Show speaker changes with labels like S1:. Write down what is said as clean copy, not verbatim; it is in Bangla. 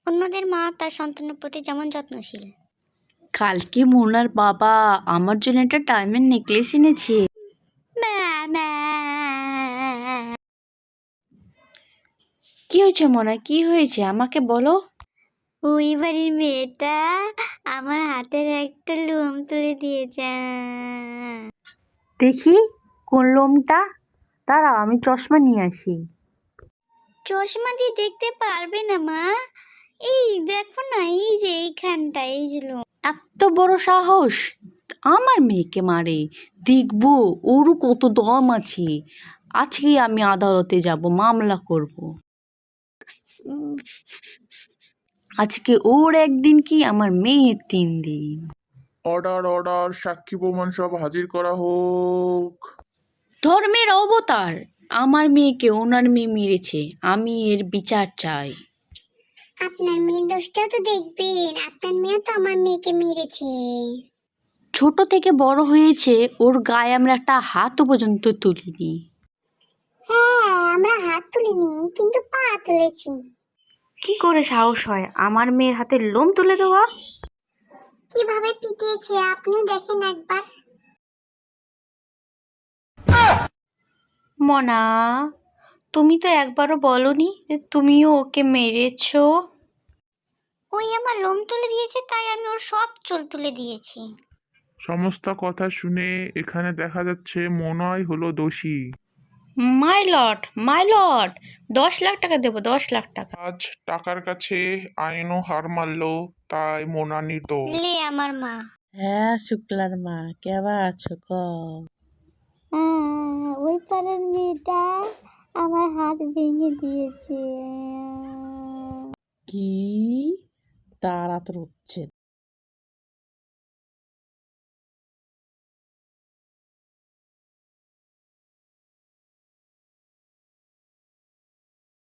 S1: অন্যদের মা তার সন্তানের প্রতি যেমন যত্নশীল।
S2: কালকে মোনার বাবা আমার জন্য একটা ডায়মন্ড নেকলেস এনেছে। কি হয়েছে মোনা, কি হয়েছে আমাকে বলো।
S1: ওই বাড়ির মেয়েটা আমার হাতের একটা লোম তুলে দিয়েছে।
S2: দেখি কোন লোমটা, দাঁড়াও আমি চশমা নিয়ে আসি।
S1: চশমা দিয়ে দেখতে পারবে না মা, এই দেখো না, এই যে এইখানটা, এই যে লোম।
S2: এত বড় সাহস, আমার মেয়েকে মারে, দেখবো ওরও কত দম আছে। আজকে আমি আদালতে যাব, মামলা করব। আজকে ওর একদিন কি আমার মেয়ের 3 দিন।
S3: অর্ডার অর্ডার, সাক্ষী প্রমাণ সব হাজির করা হোক।
S2: ধর্মের অবতার, আমার মেয়েকে ওনার মেয়ে মেরেছে, আমি এর বিচার চাই।
S1: আপনার মেয়ের দোষটা তো দেখবেন, আপনার মেয়ে তো আমার মেয়েকে মেরেছে।
S2: ছোট থেকে বড় হয়েছে, ওর গায়ে আমরা একটা হাতও পর্যন্ত তুলিনি।
S1: হ্যাঁ, আমরা হাত তুলিনি, কিন্তু পা তুলেছি।
S2: কি করে সাহস হয় আমার মেয়ের হাতে লোম তুলে দেওয়া?
S1: কিভাবে পিটিয়েছে আপনিও দেখেন একবার।
S2: মনা, তুমি তো একবারও বলনি যে তুমিও ওকে মেরেছো।
S1: ওই আমার লোম তুলে দিয়েছে, তাই আমি ওর সব চুল তুলে দিয়েছি।
S3: সমস্ত কথা শুনে এখানে দেখা যাচ্ছে মনয় হলো দোষী।
S2: মাই লর্ড, 10 লাখ টাকা দেবো, 10 লাখ টাকা।
S3: আজ টাকার কাছে আইনও হার মানলো, তাই মোনা নির্দোষ।
S1: লে আমার মা।
S4: হ্যাঁ শুক্লার মা, কেমন আছো ক?
S1: ওই পাড়ার মেয়েটা আমার হাত ভেঙে দিয়েছে।
S4: কি? তারা তো হচ্ছে